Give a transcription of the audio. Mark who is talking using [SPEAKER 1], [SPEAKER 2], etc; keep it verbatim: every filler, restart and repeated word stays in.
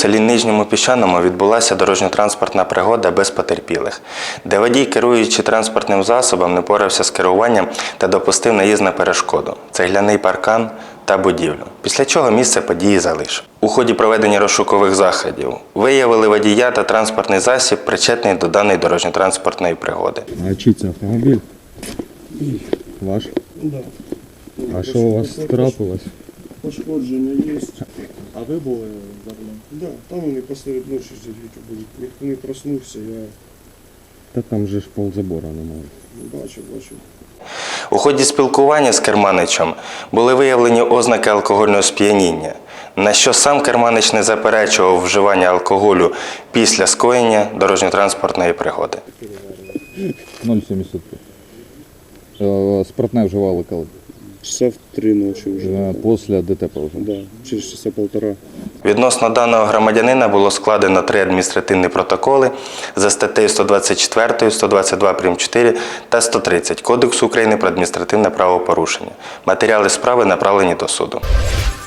[SPEAKER 1] селі Нижньому Піщаному відбулася дорожньо-транспортна пригода без потерпілих, де водій, керуючи транспортним засобом, не порався з керуванням та допустив наїзд на перешкоду – цегляний паркан та будівлю, після чого місце події залишив. У ході проведення розшукових заходів виявили водія та транспортний засіб, причетний до даної дорожньо-транспортної пригоди.
[SPEAKER 2] А чий це автомобіль? Ваш?
[SPEAKER 3] Да.
[SPEAKER 2] А що у вас трапилось?
[SPEAKER 3] Пошкодження є.
[SPEAKER 4] А ви були за рулем?
[SPEAKER 3] Да, там вони посеред ночі дітей будуть. Ніхто не проснувся, я
[SPEAKER 2] Та там же ж ползабора немає.
[SPEAKER 3] бачив, бачив.
[SPEAKER 1] У ході спілкування з керманичем були виявлені ознаки алкогольного сп'яніння, на що сам керманич не заперечував вживання алкоголю після скоєння дорожньо-транспортної пригоди.
[SPEAKER 5] нуль сімдесят п'ять. Спиртне вживали коли?
[SPEAKER 3] Часа в три ночі вже.
[SPEAKER 5] Е, Після ДТП вже.
[SPEAKER 3] Да, через часа полтора.
[SPEAKER 1] Відносно даного громадянина було складено три адміністративні протоколи за статтею сто двадцять чотири, сто двадцять два прим. чотири та сто тридцять Кодексу України про адміністративне правопорушення. Матеріали справи направлені до суду.